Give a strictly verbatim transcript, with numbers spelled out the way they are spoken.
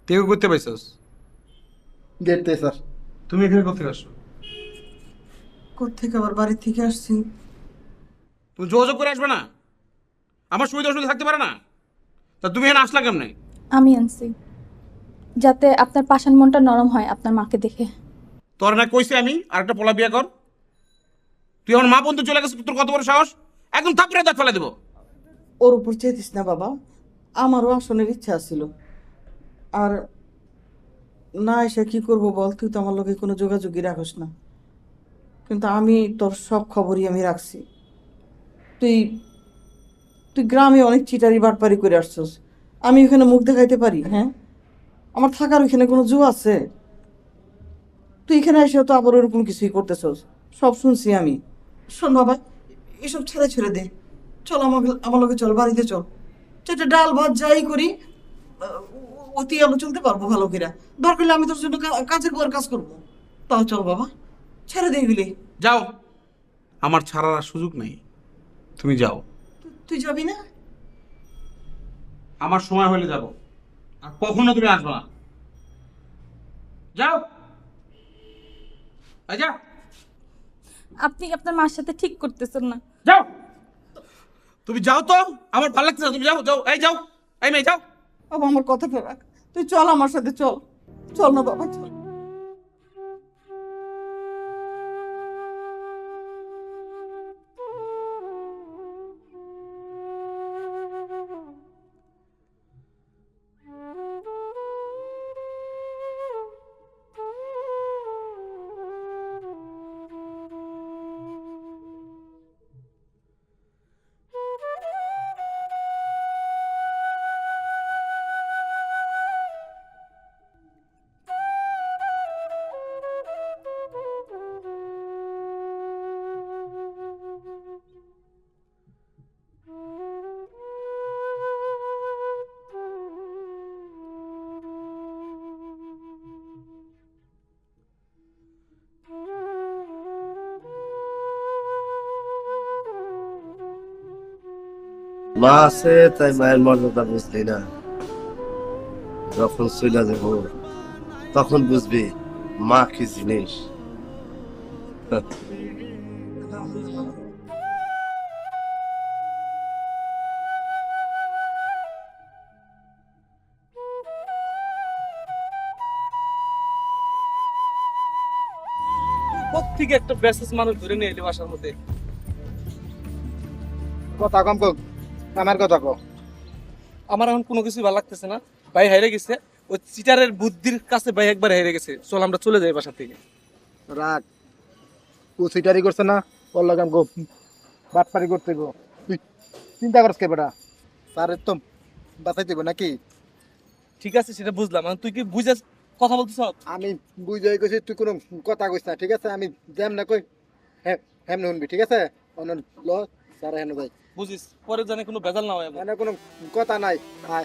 তুই করতে পাইছস? গেটতে স্যার। তুমি এখানে কোথেকে আসছো? কোত্থেকে আবার বাড়ি থেকে আসছি। তুমি যোগাযোগ করে আসবে না? আমার সুবিধা অসুবিধা থাকতে পারে না? তা তুমি এখানে আসলা কেমনে? আমি আনছি যাতে আপনার পাষাণ মনটা নরম হয় আপনার মাকে দেখে। তোর না কইছে আমি আর একটা পোলা বিয়ে কর। তুই আমার মা বন্ধু চলে গেছে, তোর কত বড় সাহস! একদম থাপড়ে দাঁত ফেলে দেবো। ওর উপর চেতিস না বাবা, আমারও আসনের ইচ্ছা ছিল। আর না এসে কি করব বল, তুই তো আমার লগে কোনো যোগাযোগই রাখস না। কিন্তু আমি তোর সব খবরই আমি রাখছি। তুই তুই গ্রামে অনেক চিটারি বাটপারি করে আসছস, আমি ওখানে মুখ দেখাইতে পারি? হ্যাঁ, আমার থাকার ওইখানে কোনো জো আছে? তুই এখানে এসেও তো আবার ওরকম কিছুই করতেছস, সব শুনছি আমি। শোন বাবা, এসব ছেড়ে ছেড়ে দে, চল আমাকে আমার লগে চল, বাড়িতে চল। সেটা ডাল ভাত যাই করি আহ, অতি আমরা চলতে পারবো ভালো করে। দরকার হলে আমি তোর জন্য কা- কাজের পর কাজ করবো। তাও চল বাবা, ছেড়ে দে এগুলি। যাও, আমার ছাড়ার আর সুযোগ নেই। তুমি যাও। তু- তুই যাবি না? আমার সময় হলে যাব, আর কখনো তুমি আসবে না। যাও। এই যাও। আপনি আপনার মার সাথে ঠিক করতেছেন না। যাও। তুমি যাও তো, আমার ভালো লাগছে না। তুমি যাও, যাও, এই যাও। এই মেয়ে যাও। বাবা আমার কথাটা রাখ, তুই চল আমার সাথে, চল। চল না বাবা, চল। মা আছে তাই মায়ের মর্যাদা বুঝলি না, যখন চলে যাব তখন বুঝবি মা কি জিনিস। কোত্থেকে একটা ব্যাসেস মানুষ ধরে নিয়ে এলি বাসার মধ্যে। কথা কম কম, আমার কথা কম। আমার এখন কোনো কিছুই ভালো লাগতেছে না। ভাই হেরে গেছে, ওই চিটারের বুদ্ধির কাছে ভাই একবার হেরে গেছে। চল আমরা চলে যাই বাসা থেকে। রাগ কুচিটারি করছে না, ওর লাগাম গো বাটপারি করতে গো। তুই চিন্তা করছ কে বেটা, তার তো বাঁচাই দিব নাকি? ঠিক আছে সেটা বুঝলাম, এখন তুই কি বুঝে কথা বলতেছ? আমি বুঝাই কইছি, তুই কোনো কথা কইস না, ঠিক আছে? আমি যেম না কই হ্যাঁ হেম শুনবি, ঠিক আছে? অন্য ল সারা হেন ভাই, বুঝিস পরে জানে কোনো ভেজাল না হয় আমার। মানে কোনো কথা নাই। আয়